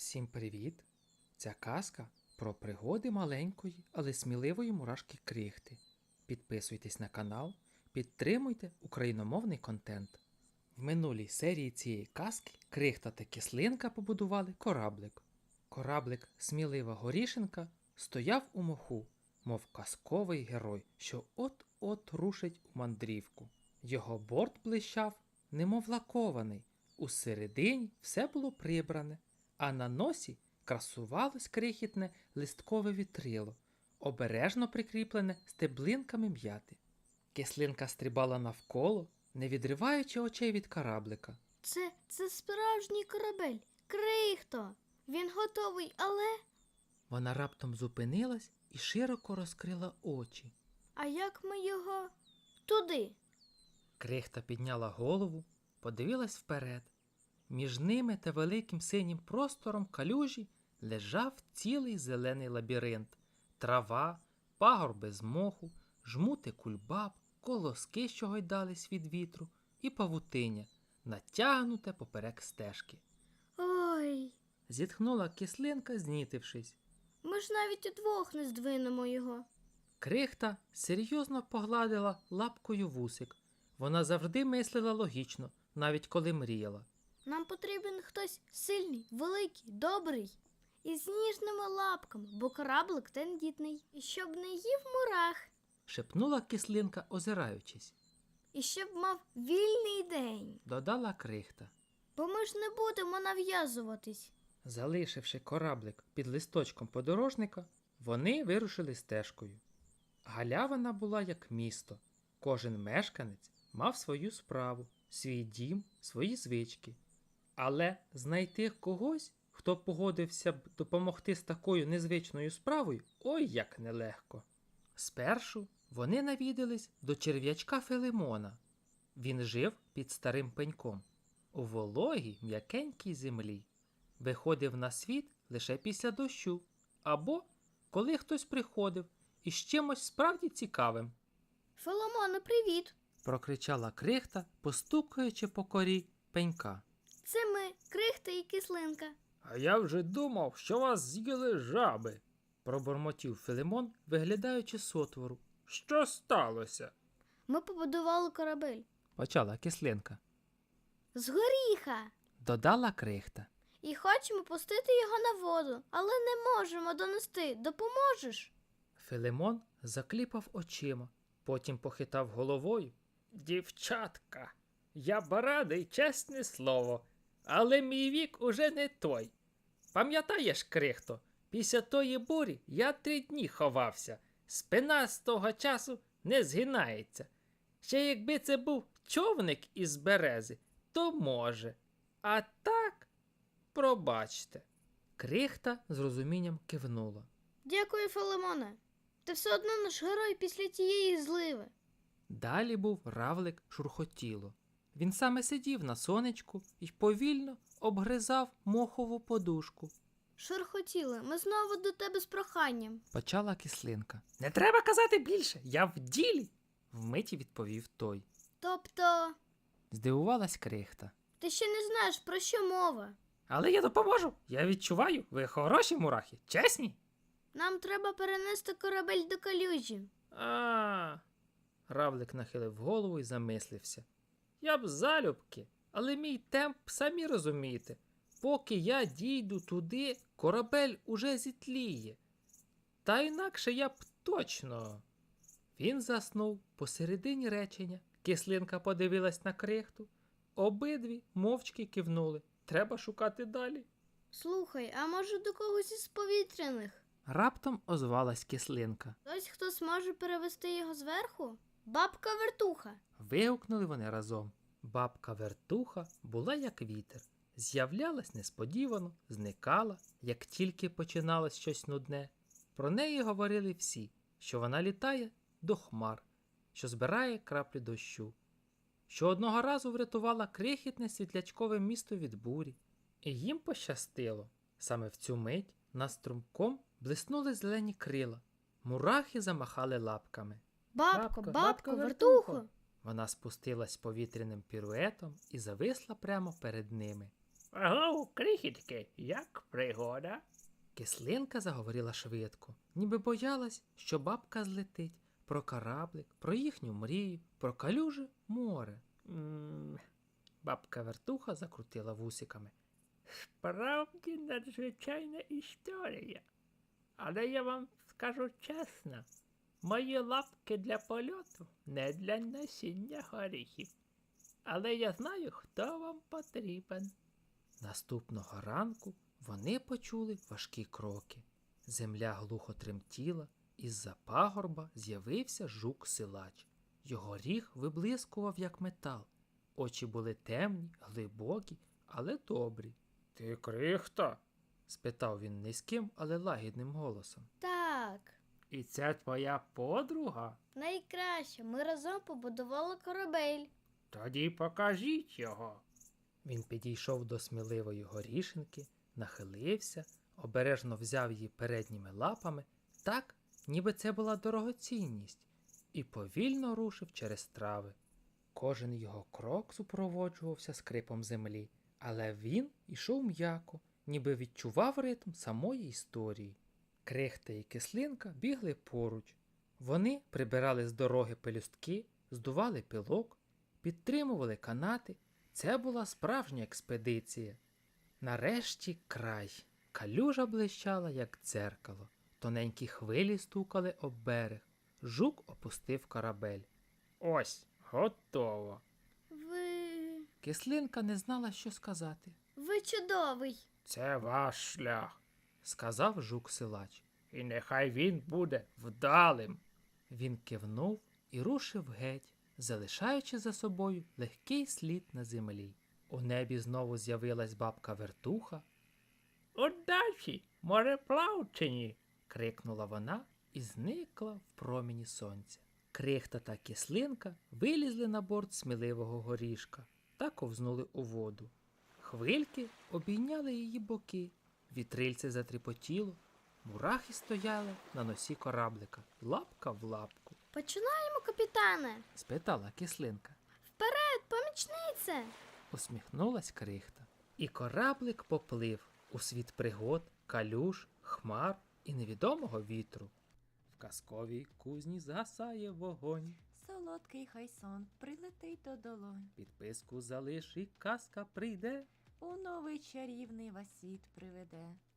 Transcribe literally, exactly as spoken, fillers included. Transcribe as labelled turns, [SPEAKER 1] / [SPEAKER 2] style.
[SPEAKER 1] Всім привіт! Ця казка про пригоди маленької, але сміливої мурашки Крихти. Підписуйтесь на канал, підтримуйте україномовний контент. В минулій серії цієї казки Крихта та Кислинка побудували кораблик. Кораблик Смілива Горішенка стояв у моху, мов казковий герой, що от-от рушить у мандрівку. Його борт блищав, немов лакований, усередині все було прибране, а на носі красувалось крихітне листкове вітрило, обережно прикріплене стеблинками м'яти. Кислинка стрибала навколо, не відриваючи очей від кораблика.
[SPEAKER 2] Це, це справжній корабель. Крихто! Він готовий, але...
[SPEAKER 1] Вона раптом зупинилась і широко розкрила очі.
[SPEAKER 2] А як ми його... туди?
[SPEAKER 1] Крихта підняла голову, подивилась вперед. Між ними та великим синім простором калюжі лежав цілий зелений лабіринт. Трава, пагорби з моху, жмути кульбаб, колоски, що гойдались від вітру, і павутиння, натягнуте поперек стежки.
[SPEAKER 2] Ой,
[SPEAKER 1] Зітхнула Кислинка, знітившись.
[SPEAKER 2] ми ж навіть удвох не здвинемо його.
[SPEAKER 1] Крихта серйозно погладила лапкою вусик. Вона завжди мислила логічно, навіть коли мріяла.
[SPEAKER 2] Нам потрібен хтось сильний, великий, добрий. І з ніжними лапками, бо кораблик тендітний. І щоб не їв мурах.
[SPEAKER 1] Шепнула Кислинка, озираючись.
[SPEAKER 2] І щоб мав вільний день.
[SPEAKER 1] Додала Крихта.
[SPEAKER 2] Бо ми ж не будемо нав'язуватись.
[SPEAKER 1] Залишивши кораблик під листочком подорожника, вони вирушили стежкою. Галявина була як місто. Кожен мешканець мав свою справу, свій дім, свої звички. Але знайти когось, хто погодився б допомогти з такою незвичною справою, ой як нелегко. Спершу вони навідались до черв'ячка Филимона. Він жив під старим пеньком, у вологій м'якенькій землі. Виходив на світ лише після дощу, або коли хтось приходив із чимось справді цікавим.
[SPEAKER 2] Филимоне, привіт!
[SPEAKER 1] Прокричала Крихта, постукаючи по корі пенька.
[SPEAKER 2] Це ми, Крихта і Кислинка.
[SPEAKER 1] А я вже думав, що вас з'їли жаби, пробормотів Филимон, виглядаючи з отвору. Що сталося?
[SPEAKER 2] Ми побудували корабель.
[SPEAKER 1] Почала Кислинка.
[SPEAKER 2] З горіха.
[SPEAKER 1] Додала Крихта.
[SPEAKER 2] І хочемо пустити його на воду, але не можемо донести. Допоможеш?
[SPEAKER 1] Филимон закліпав очима, потім похитав головою. Дівчатка, я б радий, чесне слово, але мій вік уже не той. Пам'ятаєш, Крихто, після тої бурі я три дні ховався. Спина з того часу не згинається. Ще якби це був човник із берези, то може. А так, пробачте. Крихта з розумінням кивнула.
[SPEAKER 2] Дякую, Филимоне. Ти все одно наш герой після тієї зливи.
[SPEAKER 1] Далі був равлик Шурхотіло. Він саме сидів на сонечку і повільно обгризав мохову подушку.
[SPEAKER 2] Шурхотіле, ми знову до тебе з проханням.
[SPEAKER 1] Почала Кислинка. Не треба казати більше, я в ділі, вмиті відповів той.
[SPEAKER 2] Тобто,
[SPEAKER 1] Здивувалась Крихта.
[SPEAKER 2] ти ще не знаєш, про що мова.
[SPEAKER 1] Але я допоможу, я відчуваю, ви хороші мурахи, чесні?
[SPEAKER 2] Нам треба перенести корабель до калюжі.
[SPEAKER 1] А. Равлик нахилив голову і замислився. Я б залюбки, але мій темп, самі розумієте. Поки я дійду туди, корабель уже зітліє. Та інакше я б точно. Він заснув посередині речення. Кислинка подивилась на Крихту. Обидві мовчки кивнули. Треба шукати далі.
[SPEAKER 2] Слухай, а може до когось із повітряних?
[SPEAKER 1] Раптом озвалась Кислинка.
[SPEAKER 2] Хтось, хто зможе перевести його зверху? Бабка-вертуха.
[SPEAKER 1] Вигукнули вони разом. Бабка-вертуха була як вітер. З'являлась несподівано, зникала, як тільки починалось щось нудне. Про неї говорили всі, що вона літає до хмар, що збирає краплі дощу, що одного разу врятувала крихітне світлячкове місто від бурі. І їм пощастило. Саме в цю мить над струмком блиснули зелені крила. Мурахи замахали лапками.
[SPEAKER 2] Бабко,
[SPEAKER 1] Бабко,
[SPEAKER 2] бабко,
[SPEAKER 1] вертухо.
[SPEAKER 2] вертухо.
[SPEAKER 1] Вона спустилась повітряним піруетом і зависла прямо перед ними.
[SPEAKER 3] Аго, крихітки, як пригода?
[SPEAKER 1] Кислинка заговорила швидко, ніби боялась, що бабка злетить про кораблик, про їхню мрію, про калюже море.
[SPEAKER 3] М,
[SPEAKER 1] Бабка вертуха закрутила вусиками.
[SPEAKER 3] Справді надзвичайна історія. Але я вам скажу чесно, мої лапки для польоту не для носіння горіхів. Але я знаю, хто вам потрібен.
[SPEAKER 1] Наступного ранку вони почули важкі кроки. Земля глухо тремтіла, із-за пагорба з'явився жук-силач. Його ріг виблискував, як метал. Очі були темні, глибокі, але добрі.
[SPEAKER 3] Ти крихта?
[SPEAKER 1] Спитав він низьким, але лагідним голосом.
[SPEAKER 2] Так,
[SPEAKER 3] І це твоя подруга?
[SPEAKER 2] найкраще. Ми разом побудували корабель.
[SPEAKER 3] Тоді покажіть його.
[SPEAKER 1] Він підійшов до сміливої горішинки, нахилився, обережно взяв її передніми лапами, так, ніби це була дорогоцінність, і повільно рушив через трави. Кожен його крок супроводжувався скрипом землі, але він ішов м'яко, ніби відчував ритм самої історії. Крихта і кислинка бігли поруч. Вони прибирали з дороги пелюстки, здували пилок, підтримували канати. Це була справжня експедиція. Нарешті край. Калюжа блищала, як дзеркало. Тоненькі хвилі стукали об берег. Жук опустив корабель.
[SPEAKER 3] Ось, готово.
[SPEAKER 2] Ви.
[SPEAKER 1] Кислинка не знала, що сказати.
[SPEAKER 2] Ви чудовий.
[SPEAKER 3] Це ваш шлях.
[SPEAKER 1] Сказав жук-силач.
[SPEAKER 3] І нехай він буде вдалим.
[SPEAKER 1] Він кивнув і рушив геть, залишаючи за собою легкий слід на землі. У небі знову з'явилась бабка вертуха,
[SPEAKER 3] Удачі, мореплавчині.
[SPEAKER 1] крикнула вона і зникла в промені сонця. Крихта та кислинка вилізли на борт сміливого горішка та ковзнули у воду. Хвильки обійняли її боки, вітрильце затріпотіло, мурахи стояли на носі кораблика, лапка в лапку.
[SPEAKER 2] Починаємо, капітане.
[SPEAKER 1] Спитала кислинка.
[SPEAKER 2] Вперед, помічнице.
[SPEAKER 1] Усміхнулась крихта. І кораблик поплив у світ пригод, калюж, хмар і невідомого вітру. В казковій кузні згасає вогонь.
[SPEAKER 4] Солодкий хай сон прилетить до долонь,
[SPEAKER 1] Підписку залиш і казка прийде.
[SPEAKER 4] у новий чарівний вас світ приведе.